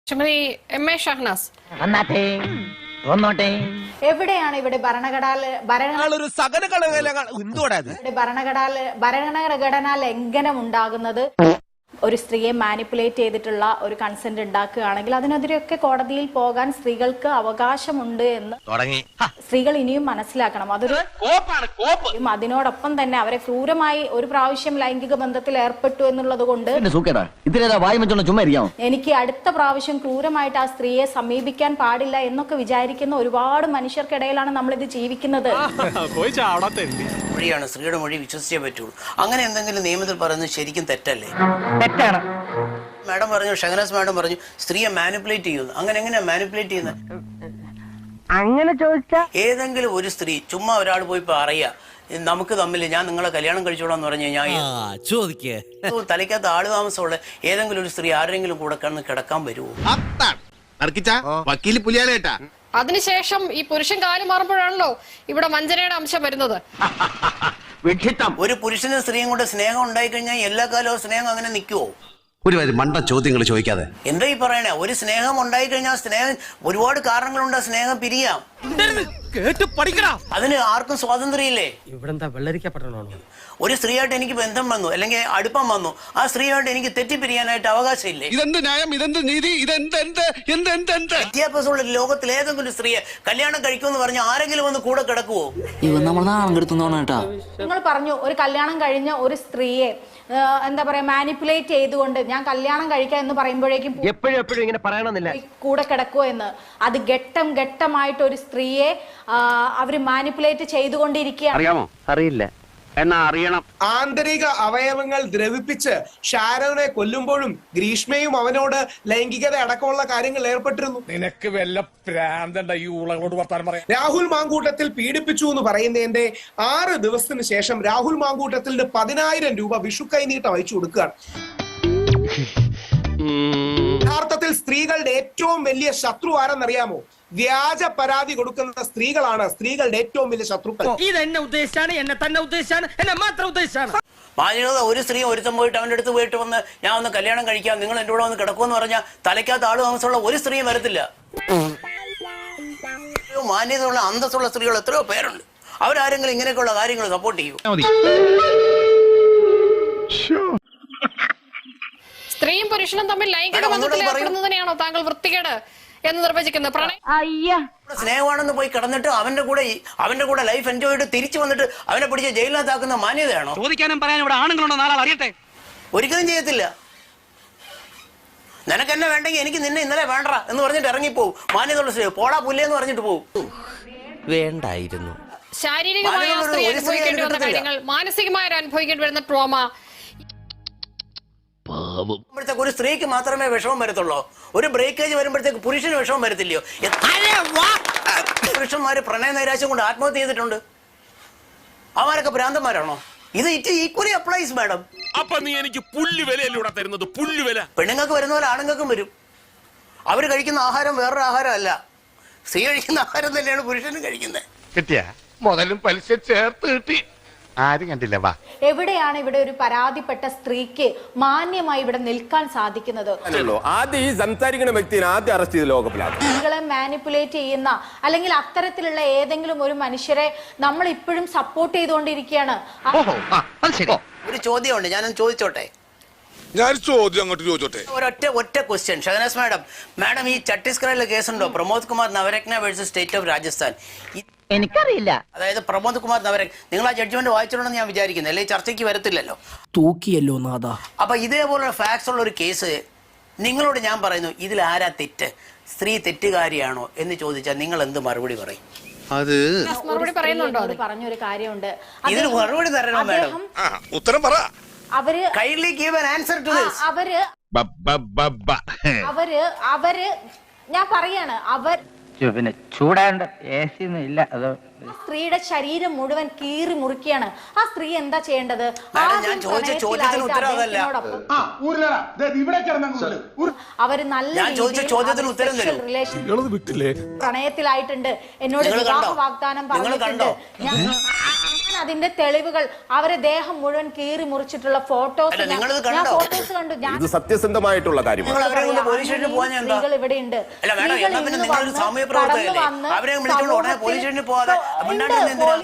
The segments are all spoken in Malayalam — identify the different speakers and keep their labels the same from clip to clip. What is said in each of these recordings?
Speaker 1: ശ്രീമതി എം എ ഷഹനാസ്
Speaker 2: എവിടെയാണ് ഇവിടെ ഭരണഘടനാ ലംഘനം ഉണ്ടാകുന്നത്? ഒരു സ്ത്രീയെ മാനിപ്പുലേറ്റ് ചെയ്തിട്ടുള്ള ഒരു കൺസെന്റ് ഉണ്ടാക്കുകയാണെങ്കിൽ അതിനെതിരെയൊക്കെ കോടതിയിൽ പോകാൻ സ്ത്രീകൾക്ക് അവകാശമുണ്ട് എന്ന് സ്ത്രീകൾ ഇനിയും മനസ്സിലാക്കണം. അതൊരു അതിനോടൊപ്പം തന്നെ അവരെ ക്രൂരമായി ഒരു പ്രാവശ്യം ലൈംഗിക ബന്ധത്തിൽ ഏർപ്പെട്ടു എന്നുള്ളത് കൊണ്ട് എനിക്ക് അടുത്ത പ്രാവശ്യം ക്രൂരമായിട്ട് ആ സ്ത്രീയെ സമീപിക്കാൻ പാടില്ല എന്നൊക്കെ വിചാരിക്കുന്ന ഒരുപാട് മനുഷ്യർക്കിടയിലാണ് നമ്മളിത് ജീവിക്കുന്നത്.
Speaker 3: സ്ത്രീയുടെ മൊഴി വിശ്വസിച്ചേ പറ്റുള്ളൂ. അങ്ങനെ എന്തെങ്കിലും നിയമത്തിൽ പറയുന്നത് ശരിക്കും തെറ്റല്ലേ?
Speaker 4: തെറ്റാണ്.
Speaker 3: മാഡം പറഞ്ഞു, ഷഹനാസ് മാഡം പറഞ്ഞു സ്ത്രീയെ മാനിപ്പുലേറ്റ് ചെയ്യുന്നു. അങ്ങനെ എങ്ങനെയാ മാനിപ്പുലേറ്റ് ചെയ്യുന്നത്?
Speaker 4: അങ്ങനെ ചോദിച്ചാ
Speaker 3: ഏതെങ്കിലും ഒരു സ്ത്രീ ചുമ്മാ ഒരാൾ പോയി പറയാ നമുക്ക് തമ്മിൽ ഞാൻ നിങ്ങളെ കല്യാണം കഴിച്ചോളാന്ന് പറഞ്ഞു കഴിഞ്ഞാൽ തലയ്ക്കകത്ത് ആള് താമസമുള്ള ഏതെങ്കിലും ഒരു സ്ത്രീ ആരെങ്കിലും കൂടെ കിടക്കാൻ വരുമോ?
Speaker 1: അതിനുശേഷം ഈ പുരുഷൻ കാലം മാറുമ്പോഴാണല്ലോ ഇവിടെ വഞ്ചനയുടെ അംശം വരുന്നത്.
Speaker 3: ഒരു പുരുഷനും സ്ത്രീയും കൊണ്ട് സ്നേഹം ഉണ്ടായി കഴിഞ്ഞാൽ എല്ലാ കാലവും സ്നേഹം അങ്ങനെ നിൽക്കുവോ?
Speaker 5: ഒരു മണ്ട ചോദ്യങ്ങൾ ചോദിക്കാതെ
Speaker 3: എന്താ ഈ പറയണേ? ഒരു സ്നേഹം ഉണ്ടായി കഴിഞ്ഞാൽ സ്നേഹം ഒരുപാട് കാരണങ്ങളുണ്ട്. സ്നേഹം പിരിയാം. അതിന് ആർക്കും സ്വാതന്ത്ര്യമില്ലേ? ഒരു സ്ത്രീയായിട്ട് എനിക്ക് ബന്ധം വന്നു അല്ലെങ്കിൽ അടുപ്പം വന്നു, ആ സ്ത്രീയായിട്ട് എനിക്ക് തെറ്റിപ്പിരിയാനായിട്ട് അവകാശമില്ലേ? വിദ്യാഭ്യാസമുള്ള ലോകത്തിൽ ഏതെങ്കിലും സ്ത്രീയെ കല്യാണം കഴിക്കുമെന്ന് പറഞ്ഞ ആരെങ്കിലും ഒന്ന് കൂടെ കിടക്കുവോ?
Speaker 2: നിങ്ങൾ പറഞ്ഞു ഒരു കല്യാണം കഴിഞ്ഞ ഒരു സ്ത്രീയെ എന്താ പറയാ മാനിപ്പുലേറ്റ് ചെയ്തുകൊണ്ട് ഞാൻ കല്യാണം കഴിക്കാം എന്ന് പറയുമ്പോഴേക്കും
Speaker 4: എപ്പോഴും ഇങ്ങനെ പറയണമെന്നില്ല
Speaker 2: കൂടെ കിടക്കുവോ എന്ന്. അത് ഘട്ടം ഘട്ടമായിട്ട് ഒരു സ്ത്രീയെ അവര് മാനിപ്പുലേറ്റ് ചെയ്തുകൊണ്ടിരിക്കുകയാണ്.
Speaker 4: അറിയാമോ? അറിയില്ല എന്നാ അറിയണം.
Speaker 6: ആന്തരിക അവയവങ്ങൾ ദ്രവിപ്പിച്ച് ഷാരോനെ കൊല്ലുമ്പോഴും ഗ്രീഷ്മയും അവനോട് ലൈംഗികത അടക്കമുള്ള കാര്യങ്ങൾ ഏർപ്പെട്ടിരുന്നു.
Speaker 7: നിനക്ക് വല്ല പ്രാന്തണ്ട ഈ ഉളകളോട് വർത്താനം പറയാം.
Speaker 6: രാഹുൽ മാങ്കൂട്ടത്തിൽ പീഡിപ്പിച്ചു എന്ന് പറയുന്നതിന്റെ 6 ദിവസത്തിന് ശേഷം രാഹുൽ മാങ്കൂട്ടത്തിന് 10,000 രൂപ വിഷു കൈനീട്ടം അയച്ചു കൊടുക്കുകയാണ്. യഥാർത്ഥത്തിൽ സ്ത്രീകളുടെ ഏറ്റവും വലിയ ശത്രു ആരെന്നറിയാമോ? വ്യാജ പരാതി കൊടുക്കുന്ന സ്ത്രീകളാണ് സ്ത്രീകളുടെ ഏറ്റവും വലിയ ശത്രുക്കൾ.
Speaker 4: ഇതെന്നെ ഉദ്ദേശിച്ചാണ്, എന്നെ തന്നെ ഉദ്ദേശിച്ചാണ്, എന്നെ മാത്രം ഉദ്ദേശിച്ചാണ്.
Speaker 3: മാന്യത ഒരു സ്ത്രീ ഒരുത്തം പോയിട്ട് അവൻ്റെ അടുത്ത് പോയിട്ട് വന്ന് ഞാൻ ഒന്ന് കല്യാണം കഴിക്കാം, നിങ്ങൾ എൻ്റെ കൂടെ വന്ന് കിടക്കുമെന്ന് പറഞ്ഞാൽ തലയ്ക്കകത്ത് ആള് താമസമുള്ള ഒരു സ്ത്രീയും വരത്തില്ല. മാന്യതയുള്ള അന്തസ്സുള്ള സ്ത്രീകൾ എത്രയോ പേരുണ്ട്. അവരാരെങ്കിലും ഇങ്ങനെയൊക്കെയുള്ള കാര്യങ്ങൾ സപ്പോർട്ട് ചെയ്യൂ.
Speaker 1: സ്ത്രീയും പുരുഷനും തമ്മിൽ ലൈംഗിക ബന്ധത്തിൽ ഏർപ്പെടുന്നതിനെയാണോ താങ്കൾ വൃത്തികേട് എന്ന് നിർവചിക്കുന്നത്?
Speaker 3: സ്നേഹമാണെന്ന് പോയി കിടന്നിട്ട് അവന്റെ കൂടെ ലൈഫ് എൻജോയ് ചെയ്ത് തിരിച്ചു വന്നിട്ട് അവനെ പിടിച്ച് ജയിലിനകത്താക്കുന്ന മാന്യതയാണോ?
Speaker 4: ചോദിക്കാനും പറയാനും ഇവിടെ ആണുങ്ങളുണ്ടോ? നാളെ അറിയട്ടെ.
Speaker 3: ഒരിക്കലും ചെയ്യത്തില്ല. നിനക്ക് എന്നെ വേണ്ടെങ്കിൽ എനിക്ക് നിന്നെ ഇന്നലെ വേണ്ട എന്ന് പറഞ്ഞിട്ട് ഇറങ്ങിപ്പോവും. മാന്യതയുള്ള സ്ത്രീ പോടാ പുല്ലേന്ന് പറഞ്ഞിട്ട് പോവും.
Speaker 8: വേണ്ടായിരുന്നു.
Speaker 1: ശാരീരികമായ അനുഭവിക്കേണ്ടി വന്ന കാര്യങ്ങൾ, മാനസികമായ അനുഭവിക്കേണ്ടി വരുന്ന ട്രോമ.
Speaker 3: ഒരു സ്ത്രീക്ക് മാത്രമേ വിഷമം വരത്തുള്ളൂ. ഒരു ബ്രേക്കേജ് വരുമ്പോഴത്തേക്ക് പുരുഷന് വിഷമം വരത്തില്ലയോ? പുരുഷന്മാര് പ്രണയ നൈരാശ്യം കൊണ്ട് ആത്മഹത്യ ചെയ്തിട്ടുണ്ട്. അവരൊക്കെ ഭ്രാന്തന്മാരാണോ? ഇത് ഈക്വലി അപ്ലൈസ് മാഡം.
Speaker 7: അപ്പൊ നീ എനിക്ക് പുല്ലുവിലൂടെ തരുന്നത്? പുല്ലുവില
Speaker 3: പെണ്ണുങ്ങൾക്ക് വരുന്ന പോലെ ആണുങ്ങൾക്കും വരും. അവര് കഴിക്കുന്ന ആഹാരം വേറൊരു ആഹാരം അല്ല. സ്ത്രീ കഴിക്കുന്ന ആഹാരം തന്നെയാണ് പുരുഷനും കഴിക്കുന്നത്.
Speaker 7: കിട്ടിയ മുതലും പലിശ ചേർത്ത് കിട്ടി. ആരും കണ്ടില്ല. വാ,
Speaker 2: എവിടെയാണ് ഇവിടെ ഒരു പരാതിപ്പെട്ട സ്ത്രീക്ക് മാന്യമായി ഇവിടെ നിൽക്കാൻ സാധിക്കുന്നത്?
Speaker 9: ആദ്യം ഈ സംസാരിക്കുന്ന വ്യക്തിയെ ആദ്യം അറസ്റ്റ് ചെയ്ത് ലോകപ്പിലാണ്.
Speaker 2: സ്ത്രീകളെ മാനിപ്പുലേറ്റ് ചെയ്യുന്ന അല്ലെങ്കിൽ അത്തരത്തിലുള്ള ഏതെങ്കിലും ഒരു മനുഷ്യരെ നമ്മൾ ഇപ്പോഴും സപ്പോർട്ട് ചെയ്തുകൊണ്ടിരിക്കുകയാണ്.
Speaker 3: ഒരു ചോദ്യമുണ്ട്, ഞാനൊന്ന് ചോദിച്ചോട്ടെ. ഒറ്റ ക്വസ്റ്റ്യൻ. ഷഹനാസ് മാഡം ഈ ഛത്തീസ്ഗഡിലെ കേസുണ്ടോ? Pramod Kumar Navratna versus state of Rajasthan.
Speaker 4: എനിക്കറിയില്ല.
Speaker 3: അതായത് പ്രമോദ് കുമാർ നവരത്ന, നിങ്ങൾ ആ ജഡ്ജ്മെന്റ് വായിച്ചിട്ടുണ്ടെന്ന് ഞാൻ വിചാരിക്കുന്നത്, അല്ലെങ്കിൽ ചർച്ചയ്ക്ക് വരത്തില്ലല്ലോ.
Speaker 8: തൂക്കിയല്ലോ നാഥ.
Speaker 3: അപ്പൊ ഇതേപോലുള്ള ഫാക്ട്സ് ഉള്ള ഒരു കേസ് നിങ്ങളോട് ഞാൻ പറയുന്നു, ഇതിൽ ആരാ തെറ്റ്? സ്ത്രീ തെറ്റുകാരിയാണോ എന്ന് ചോദിച്ചാൽ നിങ്ങൾ എന്ത് മറുപടി പറയും?
Speaker 1: അത് മറുപടി പറയുന്നുണ്ടോ?
Speaker 2: പറഞ്ഞൊരു കാര്യമുണ്ട്,
Speaker 3: ഇതിന് മറുപടി തരണം മാഡം.
Speaker 7: ഉത്തരം പറ.
Speaker 2: അവര്
Speaker 3: kindly give an answer to this.
Speaker 2: അവര് ഞാൻ പറയാണ്,
Speaker 4: പിന്നെ ചൂടാണ്ട് ഇല്ല. അത്
Speaker 2: സ്ത്രീയുടെ ശരീരം മുഴുവൻ കീറി മുറിക്കുകയാണ്. ആ സ്ത്രീ എന്താ ചെയ്യേണ്ടത്?
Speaker 3: ഞാൻ ചോദിച്ച ചോദ്യത്തിന് ഉത്തരം അതല്ല.
Speaker 2: അവര് നല്ല റിലേഷൻ പ്രണയത്തിലായിട്ടുണ്ട്, എന്നോട് വിവാഹ വാഗ്ദാനം പറഞ്ഞിട്ടുണ്ട്. അതിന്റെ തെളിവുകൾ അവരെ ദേഹം മുഴുവൻ കീറി മുറിച്ചിട്ടുള്ള ഫോട്ടോസ്
Speaker 3: അല്ല,
Speaker 2: ഞാൻ
Speaker 3: നിങ്ങളിത് കണ്ടോ?
Speaker 2: ഫോട്ടോസ് കണ്ടു. ഞാൻ
Speaker 9: ഇത് സത്യസന്ധമായിട്ടുള്ള കാര്യമാണ്.
Speaker 3: നിങ്ങൾ അവരെ കൊണ്ട് പോലീസ് സ്റ്റേഷനിൽ പോകാൻ എന്താ?
Speaker 2: സ്ത്രീകൾ ഇവിടെയുണ്ട്.
Speaker 3: അല്ല മേഡം,
Speaker 2: സ്ത്രീകൾ
Speaker 3: എന്നാ പിന്നെ
Speaker 2: ഇന്ന്
Speaker 3: നിങ്ങളൊരു
Speaker 2: വന്ന്
Speaker 3: സാമൂഹ്യ പ്രവർത്തകരല്ലേ?
Speaker 2: കടന്നു വന്ന്
Speaker 3: അവരെ വിളിച്ചോണ്ട് ഉടനെ പോലീസ് സ്റ്റേഷനിൽ പോകാതെ മിണ്ടാണ്ട്
Speaker 2: ഉണ്ട്.
Speaker 3: എന്തിനാ?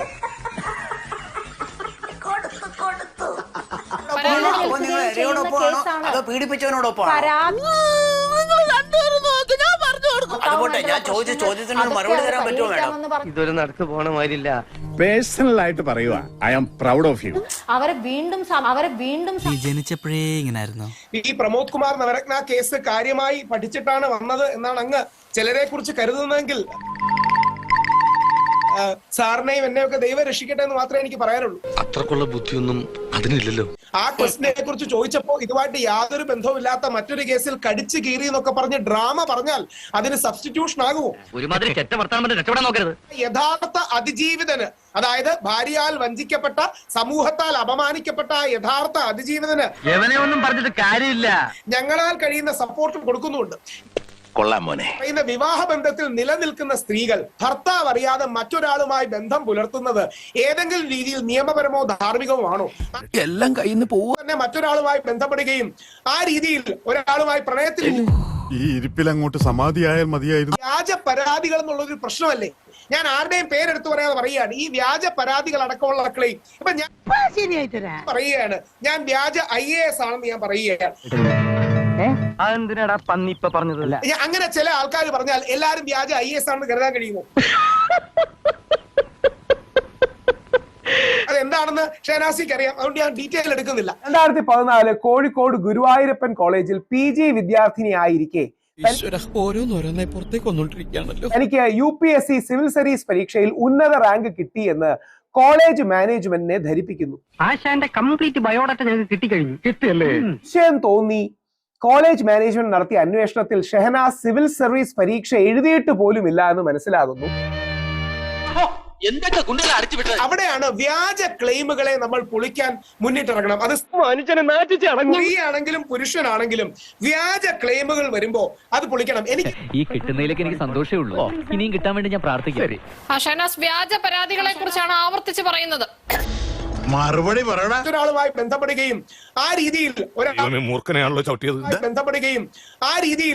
Speaker 3: അപ്പൊ നിങ്ങൾ ഇരയോടൊപ്പമാണോ അതോ പീഡിപ്പിച്ചവനോടൊപ്പമാണോ? അതുപോട്ടെ, ഞാൻ ചോദിച്ച ചോദ്യത്തിന് മറുപടി തരാൻ പറ്റുമോ മേഡം?
Speaker 8: ഇതൊരു നടക്ക് പോണ മാതിരില്ല.
Speaker 7: പേഴ്സണൽ ആയിട്ട് പറയുക, I am proud of you.
Speaker 2: അവരെ വീണ്ടും
Speaker 10: ജനിച്ചപ്പോഴേ ഇങ്ങനായിരുന്നു.
Speaker 6: ഈ പ്രമോദ് കുമാർ നവരത്ന കേസ് കാര്യമായി പഠിച്ചിട്ടാണ് വന്നത് എന്നാണ് അങ്ങ് ചിലരെ കുറിച്ച് കരുതുന്നതെങ്കിൽ സാറിനെയും എന്നെയൊക്കെ ദൈവം രക്ഷിക്കട്ടെ എന്ന് മാത്രമേ എനിക്ക് പറയാനുള്ളൂ.
Speaker 7: അത്രക്കുള്ള ബുദ്ധിയൊന്നും അതിനില്ലല്ലോ.
Speaker 6: ആ ക്വസ്റ്റിനെ കുറിച്ച് ചോദിച്ചപ്പോ ഇതുമായിട്ട് യാതൊരു ബന്ധവുമില്ലാത്ത മറ്റൊരു കേസിൽ കടിച്ചു കീറി എന്നൊക്കെ പറഞ്ഞ് ഡ്രാമ പറഞ്ഞാൽ അതിന് സബ്സ്റ്റിറ്റ്യൂഷൻ ആകുമോ?
Speaker 8: ഒരുമാതിരി ചെറ്റ വർത്താനം രക്ഷപ്പെടാൻ നോക്കരുത്.
Speaker 6: യഥാർത്ഥ അതിജീവിതന്, അതായത് ഭാര്യയാൽ വഞ്ചിക്കപ്പെട്ട, സമൂഹത്താൽ അപമാനിക്കപ്പെട്ട യഥാർത്ഥ അതിജീവിതന്
Speaker 8: എവനെ ഒന്നും പറഞ്ഞിട്ട് കാര്യമില്ല.
Speaker 6: ഞങ്ങളാൽ കഴിയുന്ന സപ്പോർട്ട് കൊടുക്കുന്നുണ്ട്.
Speaker 7: കൊള്ളാം മോനെ.
Speaker 6: പറയുന്ന വിവാഹ ബന്ധത്തിൽ നിലനിൽക്കുന്ന സ്ത്രീകൾ ഭർത്താവ് അറിയാതെ മറ്റൊരാളുമായി ബന്ധം പുലർത്തുന്നത് ഏതെങ്കിലും രീതിയിൽ നിയമപരമോ ധാർമ്മികമോ ആണോ?
Speaker 7: എല്ലാം കയ്യിൽ നിന്ന് പോവുക.
Speaker 6: തന്നെ മറ്റൊരാളുമായി ബന്ധപ്പെടുകയും ആ രീതിയിൽ ഒരാളുമായി പ്രണയത്തിൽ
Speaker 7: ഈ ഇരിപ്പിൽ അങ്ങോട്ട് സമാധിയായാൽ മതിയായിരുന്നു.
Speaker 6: വ്യാജ പരാതികൾ എന്നുള്ളൊരു പ്രശ്നമല്ലേ? ഞാൻ ആരുടെയും പേരെടുത്ത് പറയാതെ പറയുകയാണ്, ഈ വ്യാജ പരാതികൾ അടക്കമുള്ള ക്ലെയിം ഇപ്പൊ ഞാൻ പറയുകയാണ്, ഞാൻ വ്യാജ IAS ആണെന്ന് ഞാൻ പറയുകയാണ്.
Speaker 8: അതെന്തിനാടാ പന്നി ഇപ്പൊ പറഞ്ഞതല്ല.
Speaker 6: അങ്ങനെ ചില ആൾക്കാർ പറഞ്ഞാൽ എല്ലാരും വ്യാജ IAS ആണെന്ന് കരുതാൻ കഴിയുമോ? അതെന്താണെന്ന് ഷഹനാസിക്ക് അറിയാം, അതുകൊണ്ട് ഞാൻ ഡീറ്റെയിൽ എടുക്കുന്നില്ല.
Speaker 11: 2014 കോഴിക്കോട് ഗുരുവായൂരപ്പൻ കോളേജിൽ PG വിദ്യാർത്ഥിനിയായിരിക്കെ
Speaker 10: ഓരോന്നോരോന്നെ പുറത്തേക്ക് വന്നോണ്ടിരിക്കുകയാണല്ലോ.
Speaker 11: എനിക്ക് UPSC സിവിൽ സർവീസ് പരീക്ഷയിൽ ഉന്നത റാങ്ക് കിട്ടിയെന്ന് കോളേജ് മാനേജ്മെന്റിനെ ധരിപ്പിക്കുന്നു.
Speaker 8: ആശാന്റെ കംപ്ലീറ്റ് ബയോഡാറ്റ ഞങ്ങൾക്ക് കിട്ടിക്കഴിഞ്ഞു. കിട്ടിയല്ലേ?
Speaker 11: സംശയം തോന്നി. കോളേജ് മാനേജ്മെന്റ് നടത്തിയ അന്വേഷണത്തിൽ ഷെഹനാസ് സിവിൽ സർവീസ് പരീക്ഷ എഴുതിയിട്ട് പോലുമില്ല എന്ന് മനസ്സിലാകുന്നു.
Speaker 6: അവിടെയാണ് വ്യാജ ക്ലെയിമുകളെ നമ്മൾ പൊളിക്കാൻ മുന്നിട്ടിറങ്ങണം. അത് സ്ത്രീയാണെങ്കിലും പുരുഷനാണെങ്കിലും വ്യാജ ക്ലെയിമുകൾ വരുമ്പോ അത് പൊളിക്കണം. എനിക്ക്
Speaker 8: ഈ കിട്ടുന്നതിലേക്ക് എനിക്ക് സന്തോഷമേ ഉള്ളൂ. ഇനിയും കിട്ടാൻ വേണ്ടി ഞാൻ പ്രാർത്ഥിക്കാം.
Speaker 1: ഷഹനാസ് വ്യാജ പരാതികളെ കുറിച്ചാണ് ആവർത്തിച്ച് പറയുന്നത്.
Speaker 7: മറുപടി പറയണ.
Speaker 6: ഒരാളുമായി ബന്ധപ്പെടുകയും ആ രീതിയിൽ
Speaker 7: മൂർഖനെയാണല്ലോ ചവിട്ടിയത്.
Speaker 6: ബന്ധപ്പെടുകയും ആ രീതിയിൽ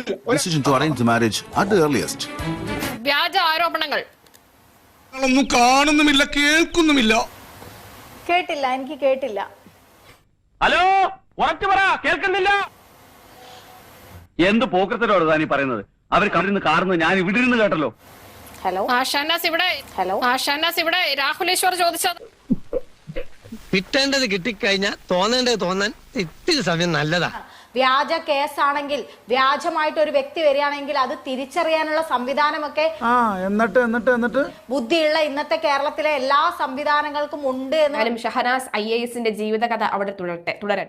Speaker 1: വ്യാജ ആരോപണങ്ങൾ
Speaker 7: ഒന്നും കാണുന്നുമില്ല, കേൾക്കുന്നുമില്ല.
Speaker 2: കേട്ടില്ല, എനിക്ക് കേട്ടില്ല.
Speaker 8: ഹലോ, ഉറച്ചു പറ, കേൾക്കുന്നില്ല. എന്ത് പോക്കത്തിലോട് താനീ പറയുന്നത്? അവർ കണ്ടിരുന്ന് കാറുന്നത് ഞാൻ ഇവിടെ ഇരുന്ന് കേട്ടല്ലോ.
Speaker 2: ഹലോ
Speaker 1: ഷഹനാസ് ഇവിടെ രാഹുൽ ഈശ്വർ ചോദിച്ചത്
Speaker 10: കിട്ടേണ്ടത് കിട്ടിക്കഴിഞ്ഞാൽ തോന്നേണ്ടത് തോന്നാൻ ഇത്തിരി സമയം നല്ലതാ.
Speaker 2: വ്യാജ കേസാണെങ്കിൽ, വ്യാജമായിട്ട് ഒരു വ്യക്തി വരികയാണെങ്കിൽ അത് തിരിച്ചറിയാനുള്ള സംവിധാനമൊക്കെ
Speaker 11: എന്നിട്ട്
Speaker 2: ബുദ്ധിയുള്ള ഇന്നത്തെ കേരളത്തിലെ എല്ലാ സംവിധാനങ്ങൾക്കും ഉണ്ട് എന്ന്
Speaker 12: ഷഹനാസ് IASന്റെ ജീവിതകഥ അവിടെ തുടരട്ടെ.